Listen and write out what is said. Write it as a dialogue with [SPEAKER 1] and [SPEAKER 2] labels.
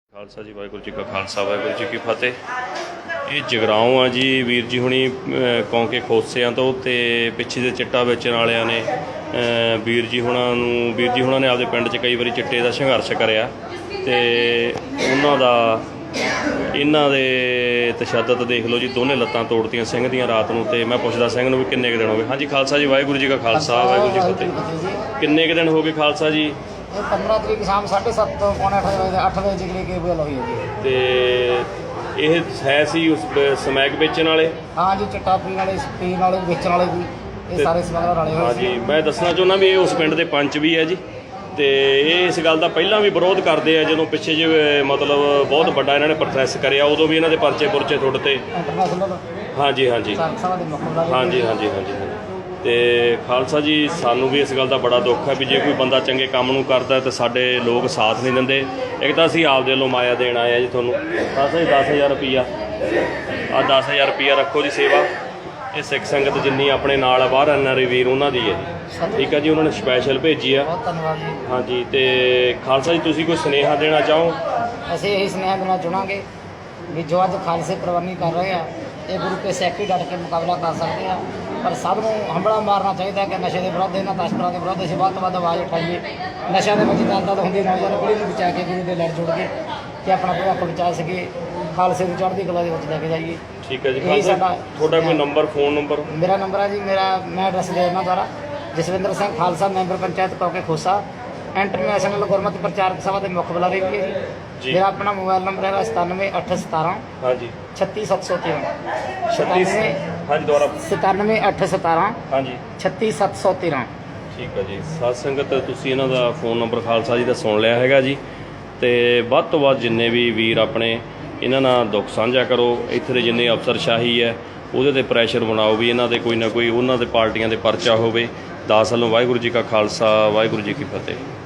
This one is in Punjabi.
[SPEAKER 1] ਖਾਲਸਾ ਜੀ, ਵਾਹਿਗੁਰੂ ਜੀ ਕਾ ਖਾਲਸਾ, ਵਾਹਿਗੁਰੂ ਜੀ ਕੀ ਫਤਿਹ। ਇਹ ਜਗਰਾਉਂ ਆ ਜੀ। ਵੀਰ ਜੀ ਹੁਣੀ ਕੌਂਕੇ ਖੋਸਿਆਂ ਤੋਂ ਤੇ ਪਿੱਛੇ ਦੇ ਚਿੱਟਾ ਵੇਚਣ ਵਾਲਿਆਂ ਨੇ ਵੀਰ ਜੀ ਹੁਣਾਂ ਨੇ ਆਪਦੇ ਪਿੰਡ 'ਚ ਕਈ ਵਾਰੀ ਚਿੱਟੇ ਦਾ ਸੰਘਰਸ਼ ਕਰਿਆ ਤੇ ਇਹਨਾਂ ਦੇ ਤਸ਼ੱਦਦ ਦੇਖ ਲਓ ਜੀ। ਦੋਨੇ ਲੱਤਾਂ ਤੋੜਤੀਆਂ ਸਿੰਘ ਦੀਆਂ ਰਾਤ ਨੂੰ। ਤੇ ਮੈਂ ਪੁੱਛਦਾ ਸਿੰਘ ਨੂੰ ਵੀ ਕਿੰਨੇ ਕੁ ਦਿਨ ਹੋ ਗਏ। ਹਾਂਜੀ ਖਾਲਸਾ ਜੀ, ਵਾਹਿਗੁਰੂ ਜੀ ਕਾ ਖਾਲਸਾ, ਵਾਹਿਗੁਰੂ ਜੀ ਕੀ ਫਤਿਹ। ਕਿੰਨੇ ਕੁ ਦਿਨ ਹੋ ਗਏ ਖਾਲਸਾ ਜੀ?
[SPEAKER 2] 15 ਤਰੀਕ ਸ਼ਾਮ 7:30 ਤੋਂ ਪੌਣੇ 8 ਵਜੇ ਜਿਗਰੀ ਕੇ ਬੋਲ ਹੋਈ ਹੈ ਜੀ।
[SPEAKER 1] ਤੇ ਇਹ ਹੈ ਸੀ ਉਸ ਸਮੈਕ ਵੇਚਣ ਵਾਲੇ?
[SPEAKER 2] ਹਾਂ ਜੀ, ਚਿੱਟਾ ਪੀਣ ਵਾਲੇ ਵੇਚਣ ਵਾਲੇ ਵੀ ਇਹ ਸਾਰੇ ਸਮਗਲਰ ਵਾਲੇ ਹੋਏ
[SPEAKER 1] ਹਾਂ
[SPEAKER 2] ਸੀ।
[SPEAKER 1] ਜੀ, ਮੈਂ ਦੱਸਣਾ ਚਾਹੁੰਦਾ ਵੀ ਇਹ ਉਸ ਪਿੰਡ ਦੇ ਪੰਚ ਵੀ ਹੈ ਜੀ। ਤੇ ਇਹ ਇਸ ਗੱਲ ਦਾ ਪਹਿਲਾਂ ਵੀ ਵਿਰੋਧ ਕਰਦੇ ਆ। ਜਦੋਂ ਪਿੱਛੇ ਜਿਹੇ ਮਤਲਬ ਬਹੁਤ ਵੱਡਾ ਇਹਨਾਂ ਨੇ ਪ੍ਰੋਟੈਸਟ ਕਰਿਆ, ਉਦੋਂ ਵੀ ਇਹਨਾਂ ਦੇ ਪਰਚੇ ਟੁੱਟ ਤੇ।
[SPEAKER 2] ਇੰਟਰਨੈਸ਼ਨਲ
[SPEAKER 1] ਹਾਂਜੀ ਹਾਂਜੀ
[SPEAKER 2] ਸਭਾ ਦੇ ਮੁੱਖ ਬੁਲਾਰੇ
[SPEAKER 1] ਹਾਂਜੀ ਹਾਂਜੀ ਹਾਂਜੀ ਹਾਂਜੀ। ਤੇ ਖਾਲਸਾ ਜੀ, ਸਾਨੂੰ ਵੀ ਇਸ ਗੱਲ ਦਾ ਬੜਾ ਦੁੱਖ ਹੈ ਵੀ ਜੇ ਕੋਈ ਬੰਦਾ ਚੰਗੇ ਕੰਮ ਨੂੰ ਕਰਦਾ ਤਾਂ ਸਾਡੇ ਲੋਕ ਸਾਥ ਨਹੀਂ ਦਿੰਦੇ। ਇੱਕ ਤਾਂ ਅਸੀਂ ਆਪਦੇ ਵੱਲੋਂ ਮਾਇਆ ਦੇਣ ਆਏ ਆ ਜੀ ਤੁਹਾਨੂੰ। 10,000 ਰੁਪਈਆ, ਆਹ 10,000 ਰੁਪਈਆ ਰੱਖੋ ਜੀ ਸੇਵਾ। ਇਹ ਸਿੱਖ ਸੰਗਤ ਜਿੰਨੀ ਆਪਣੇ ਨਾਲ ਆ ਬਾਹਰ ਐਨਆਰਆਈ ਵੀਰ ਉਹਨਾਂ ਦੀ ਹੈ ਜੀ। ਠੀਕ ਹੈ ਜੀ, ਉਹਨਾਂ ਨੇ ਸਪੈਸ਼ਲ ਭੇਜੀ ਆ।
[SPEAKER 2] ਬਹੁਤ ਧੰਨਵਾਦ ਜੀ।
[SPEAKER 1] ਹਾਂਜੀ। ਤੇ ਖਾਲਸਾ ਜੀ, ਤੁਸੀਂ ਕੋਈ ਸੁਨੇਹਾ ਦੇਣਾ ਚਾਹੋ?
[SPEAKER 2] ਅਸੀਂ ਇਹੀ ਸੁਨੇਹਾ ਦੇਣਾ ਚਾਹਾਂਗੇ ਵੀ ਜੋ ਅੱਜ ਖਾਲਸੇ ਪ੍ਰਵਾਨੀ ਕਰ ਰਹੇ ਆ, ਇਹ ਗੁਰੂ ਕੇ ਸਿੱਖ ਹੀ ਡਟ ਕੇ ਮੁਕਾਬਲਾ ਕਰ ਸਕਦੇ ਆ। ਪਰ ਸਭ ਨੂੰ ਹੰਬੜਾ ਮਾਰਨਾ ਚਾਹੀਦਾ ਕਿ ਨਸ਼ੇ ਦੇ ਵਿਰੁੱਧ, ਇਹਨਾਂ ਤਸਕਰਾਂ ਦੇ ਵਿਰੁੱਧ ਅਸੀਂ ਵੱਧ ਤੋਂ ਵੱਧ ਆਵਾਜ਼ ਉਠਾਈਏ। ਨਸ਼ਿਆਂ ਦੇ ਵਿੱਚ ਦਲਦਲ ਹੁੰਦੀ ਨੌਜਵਾਨ ਪੀੜ੍ਹੀ ਨੂੰ ਬਚਾ ਕੇ ਗੁਰੂ ਦੇ ਲੜ ਜੁੜ ਕੇ ਕਿ ਆਪਣਾ ਭਵਿੱਖ ਬਚਾ ਸਕੀਏ, ਖਾਲਸੇ ਦੀ ਚੜ੍ਹਦੀ ਕਲਾ ਦੇ ਵਿੱਚ ਲੈ ਕੇ ਜਾਈਏ।
[SPEAKER 1] ਠੀਕ ਹੈ ਜੀ। ਖਾਲਸਾ ਤੁਹਾਡਾ ਕੋਈ ਨੰਬਰ, ਫੋਨ ਨੰਬਰ?
[SPEAKER 2] ਮੇਰਾ ਨੰਬਰ ਹੈ ਜੀ, ਮੈਂ ਐਡਰੈਸ ਦੇ ਦਿੰਦਾ ਦੁਆਰਾ। ਜਸਵਿੰਦਰ ਸਿੰਘ ਖਾਲਸਾ, ਮੈਂਬਰ ਪੰਚਾਇਤ ਕੌਂਕੇ ਖੋਸਾ, ਇੰਟਰਨੈਸ਼ਨਲ ਗੁਰਮਤਿ ਪ੍ਰਚਾਰਕ ਸਭਾ ਦੇ ਮੁੱਖ ਬੁਲਾਰੇ ਵੀ ਹੈ ਜੀ। ਮੇਰਾ ਆਪਣਾ ਮੋਬਾਈਲ ਨੰਬਰ ਹੈਗਾ 97,817
[SPEAKER 1] ਹਾਂਜੀ
[SPEAKER 2] 36713।
[SPEAKER 1] 36 ਹਾਂਜੀ ਦੁਆਰਾ
[SPEAKER 2] 97,817
[SPEAKER 1] ਹਾਂਜੀ
[SPEAKER 2] 36713।
[SPEAKER 1] ਠੀਕ ਹੈ ਜੀ। ਸਾਧ ਸੰਗਤ, ਤੁਸੀਂ ਇਹਨਾਂ ਦਾ ਫੋਨ ਨੰਬਰ ਖਾਲਸਾ ਜੀ ਦਾ ਸੁਣ ਲਿਆ ਹੈਗਾ ਜੀ। ਤੇ ਵੱਧ ਤੋਂ ਵੱਧ ਜਿੰਨੇ ਵੀ ਵੀਰ ਆਪਣੇ ਇਹਨਾਂ ਨਾਲ ਦੁੱਖ ਸਾਂਝਾ ਕਰੋ। ਇੱਥੇ ਦੇ ਜਿੰਨੇ ਅਫਸਰਸ਼ਾਹੀ ਹੈ ਉਹਦੇ 'ਤੇ ਪ੍ਰੈਸ਼ਰ ਬਣਾਓ ਵੀ ਇਹਨਾਂ ਦੇ ਕੋਈ ਨਾ ਕੋਈ ਉਹਨਾਂ ਦੇ ਪਾਰਟੀਆਂ ਦੇ ਪਰਚਾ ਹੋਵੇ। ਦਾਸ ਵੱਲੋਂ ਵਾਹਿਗੁਰੂ ਜੀ ਕਾ ਖਾਲਸਾ, ਵਾਹਿਗੁਰੂ ਜੀ ਕੀ ਫਤਿਹ।